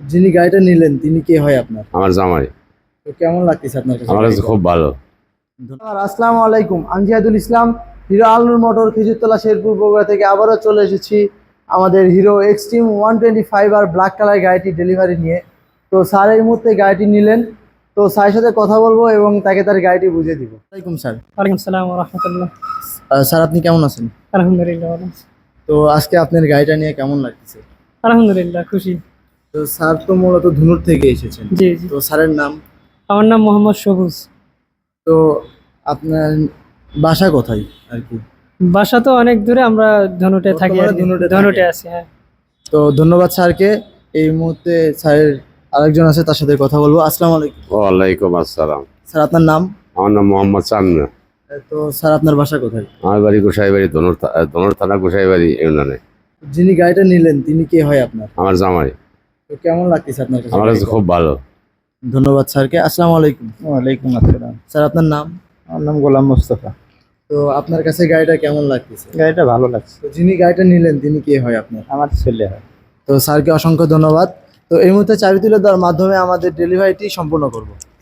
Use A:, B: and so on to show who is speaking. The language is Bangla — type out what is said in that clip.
A: যিনি গাড়িটা নিলেন তিনি কে হয় আপনার?
B: আমার জামাই।
A: তো কেমন লাগতেছে আপনার কাছে
B: আমার কাছে
A: গাড়িটা?
B: খুব ভালো।
A: ধন্যবাদ। আসসালামু আলাইকুম, আমি জিহাদুল ইসলাম, হিরো আলনুর মোটর খেজুরতলা শেরপুর বগুড়া থেকে আবারও চলে এসেছি আমাদের হিরো এক্সট্রিম 125 আর ব্ল্যাক কালার গাড়িটি ডেলিভারি নিয়ে। তো স্যার এই মুহূর্তে গাড়িটি নিলেন, তো স্যারের সাথে কথা বলবো এবং তাকে তার গাড়িটি বুঝিয়ে দিব। ওয়ালাইকুম স্যার।
C: ওয়ালাইকুম সালাম ওয়া রাহমাতুল্লাহ।
A: স্যার আপনি কেমন আছেন?
C: আলহামদুলিল্লাহ ভালো আছি।
A: তো আজকে আপনার গাড়িটা নিয়ে কেমন লাগতেছে?
C: আলহামদুলিল্লাহ খুশি।
A: তো স্যার তো মূলত ধুনুর থেকে এসেছেন।
C: জি জি।
A: তো স্যারের নাম?
C: আমার নাম মোহাম্মদ সবুজ।
A: তো আপনার বাসা কোথায় আর কি?
C: বাসা তো অনেক দূরে, আমরা ধনুটে থাকি আর
A: বর্তমানে
C: কি।
A: ধনুটে
C: ধনুটে
A: থাকেন।
C: আছি, হ্যাঁ।
A: তো ধন্যবাদ স্যারকে। এই মুহূর্তে স্যারের আরেকজন আছে, তার সাথে কথা বলবো। আসসালামু আলাইকুম।
B: ওয়ালাইকুম আসসালাম।
A: স্যার আপনার নাম?
B: আমার নাম মোহাম্মদ চান্না।
A: তো স্যার আপনার বাসা কোথায়?
B: আমার বাড়ি গোসাইবাড়ি, ধনুর থানা গোসাইবাড়ি ইউনিয়নে।
A: যিনি গাড়িটা নিলেন তিনি কে হয় আপনার?
B: আমার জামাই।
A: তো কেমন লাগতেছে আপনার কাছে
B: আমার কাছে
A: গাড়িটা?
B: খুব ভালো।
A: ধন্যবাদ স্যারকে। আসসালামু আলাইকুম।
D: ওয়ালাইকুম আসসালাম।
A: স্যার আপনার নাম?
D: আমার নাম গোলাম মোস্তফা।
A: তো আপনার কাছে গাড়িটা কেমন লাগতেছে?
D: গাড়িটা ভালো লাগছে।
A: তো যিনি গাড়িটা নিলেন তিনি কে হয় আপনার?
D: আমার ছেলে হয়।
A: তো স্যারকে অসংখ্য ধন্যবাদ। তো এই মুহূর্তে চাবি তুলে দেওয়ার মাধ্যমে আমাদের ডেলিভারিটি সম্পূর্ণ করব।